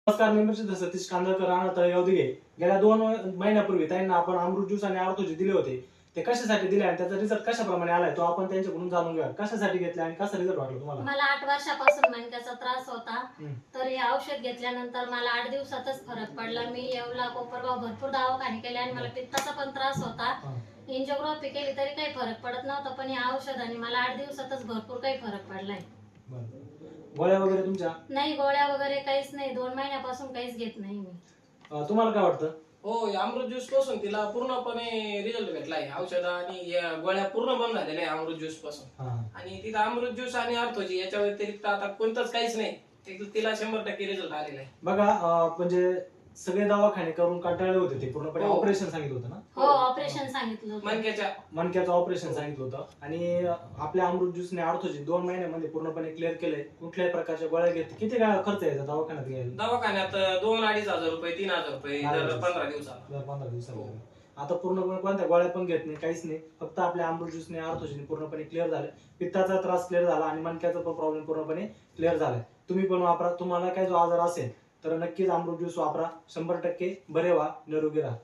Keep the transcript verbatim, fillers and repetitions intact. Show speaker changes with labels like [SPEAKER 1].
[SPEAKER 1] नमस्कार, मी मिस्टर सतीश कांदळकर, राहणार तळेगाव दिघे. गेल्या दोन महिन्यापूर्वी त्यांना आपण अमृत ज्यूस आणि आर्थोजी दिले होते. ते कशासाठी दिले आणि त्याचा रिझल्ट कशाप्रमाणे आलाय तो आपण त्यांच्याकडून जाणून घेऊया. कशासाठी घेतले आणि कसा रिझल्ट वाटला तुम्हाला?
[SPEAKER 2] मला आठ वर्षापासून मणक्याचा त्रास होता.
[SPEAKER 1] हम्म.
[SPEAKER 2] तर हे औषध घेतल्यानंतर मला आठ दिवसातच फरक पडला. मी येवला कोपरगाव भरपूर दवाखाने केले आणि मला पित्ताचा पण त्रास होता. एंजिओग्राफी केली तरी काही फरक पडत नव्हता, पण या औषधाने मला आठ दिवसातच भरपूर काही फरक पडलाय.
[SPEAKER 1] बरं. गोळ्या वगैरे तुमच्या?
[SPEAKER 2] नाही, गोळ्या वगैरे काहीच नाही. दोन महिन्यापासून काहीच घेत नाही मी.
[SPEAKER 1] अं, तुम्हाला काय वाटतं?
[SPEAKER 3] हो, या अमृत ज्यूस पासून तिला पूर्णपणे रिझल्ट भेटलाय. औषध आणि या गोळ्या पूर्ण बंद झालेल्या आहे अमृत ज्यूस पासून.
[SPEAKER 1] हा.
[SPEAKER 3] आणि तिथं अमृत ज्यूस आणि अर्थोजी याच्या व्यतिरिक्त आता कोणतंच काहीच नाही. ति- तिला शंभर टक्के रिझल्ट आलेला आहे.
[SPEAKER 1] बघा, अं, म्हणजे सगळे दवाखाने करून कंटाळले होते, ते पूर्णपणे
[SPEAKER 3] हो.
[SPEAKER 1] ऑपरेशन सांगितलं होतं ना.
[SPEAKER 2] हो, ऑपरेशन सांगितलं होतं.
[SPEAKER 3] मणक्याच्या
[SPEAKER 1] मणक्याचं ऑपरेशन सांगितलं होतं आणि आपल्या अमृत ज्यूसने आर्थोजी दोन महिन्यामध्ये पूर्णपणे क्लिअर केलंय. कुठल्याही प्रकारच्या गोळ्या घेतली. किती काय खर्च यायचा दवाखान्यात घ्यायला?
[SPEAKER 3] दवाखान्यात दोन अडीच हजार रुपये तीन हजार रुपये दर पंधरा दिवसाला.
[SPEAKER 1] दर पंधरा दिवसाला. आता पूर्णपणे कोणत्या गोळ्या पण घेत नाही, काहीच नाही. फक्त आपल्या अमृत ज्यूसने आर्थोजीने पूर्णपणे क्लिअर झालं. पित्ताचा त्रास क्लिअर झाला आणि मणक्याचा पण प्रॉब्लेम पूर्णपणे क्लिअर झालाय. तुम्ही पण वापरा. तुम्हाला काय जो आजार असेल तर नक्कीच अमृत ज्यूस वापरा. शंभर टक्के बरे व्हा, निरोगी राहा.